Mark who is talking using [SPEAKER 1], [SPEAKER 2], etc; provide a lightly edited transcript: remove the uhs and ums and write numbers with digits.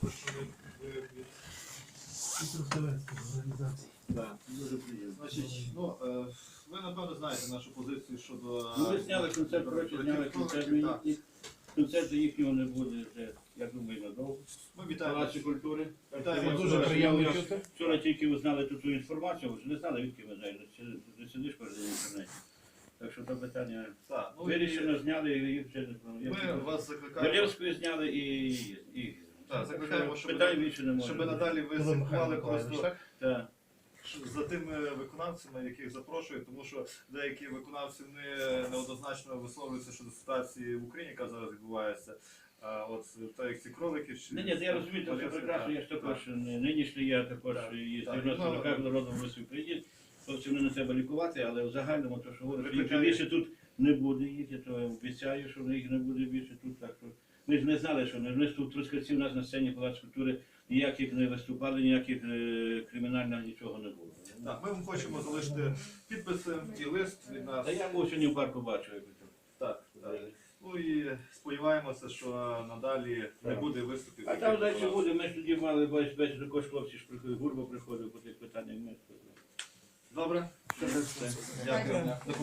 [SPEAKER 1] запрошений від
[SPEAKER 2] Трускавецької організації.
[SPEAKER 1] Так, дуже приємно. Значить, ви напевно знаєте нашу позицію щодо...
[SPEAKER 3] Ну, ви зняли концерт, коротше, зняли концерт,
[SPEAKER 1] Так.
[SPEAKER 3] концерту їхнього не буде вже, я думаю, надовго.
[SPEAKER 1] Ми
[SPEAKER 3] В
[SPEAKER 1] вітаємо.
[SPEAKER 3] Палаці культури.
[SPEAKER 1] Вітаємо.
[SPEAKER 3] Я
[SPEAKER 2] Дуже
[SPEAKER 3] вчора-
[SPEAKER 2] приємно
[SPEAKER 3] я
[SPEAKER 2] чути.
[SPEAKER 3] Вчора тільки узнали ту інформацію, ви ж не знали, відки ви знаєте, ти сидиш перед інтернеті. Так що це питання
[SPEAKER 1] Так, ну,
[SPEAKER 3] вирішено, зняли і їх вже не
[SPEAKER 1] Ми вас закликаємо.
[SPEAKER 3] Валєвською зняли і
[SPEAKER 1] Так, закликаємо, щоб
[SPEAKER 3] питань більше не
[SPEAKER 1] щоб
[SPEAKER 3] може.
[SPEAKER 1] надалі ви
[SPEAKER 2] Коли Михайло
[SPEAKER 1] слідкували
[SPEAKER 2] Миколаївич,
[SPEAKER 1] просто
[SPEAKER 2] так?
[SPEAKER 3] Так.
[SPEAKER 1] за тими виконавцями, яких запрошують, тому що деякі виконавці неоднозначно висловлюються щодо ситуації в Україні, яка зараз відбувається. От так як ці кролики чи...
[SPEAKER 3] Ні, я розумію, це все прекрасно, я ж також нинішній, я також
[SPEAKER 1] Так.
[SPEAKER 3] і
[SPEAKER 1] Так.
[SPEAKER 3] 90 роках народом висів приїзд. Хлопці, не треба лікувати, але в загальному, то, що говорить, їх
[SPEAKER 1] Викликає-
[SPEAKER 3] більше тут не буде їх, я то обіцяю, що їх не буде більше тут. Так що ми ж не знали, що ми ж тут Трускавці у нас на сцені Палац культури ніяких не виступали, ніяких кримінального нічого не було.
[SPEAKER 1] Так, ми вам хочемо залишити підписи і лист від нас.
[SPEAKER 3] Та я був сьогодні в парку бачив. як то.
[SPEAKER 1] Так, так. Ну і сподіваємося, що надалі не
[SPEAKER 3] Так.
[SPEAKER 1] буде виступів.
[SPEAKER 3] А там далі буде, ми ж тоді мали бачити, також хлопці ж приходили, Гурба приходив по тих питаннях.
[SPEAKER 1] Добре? Дякую.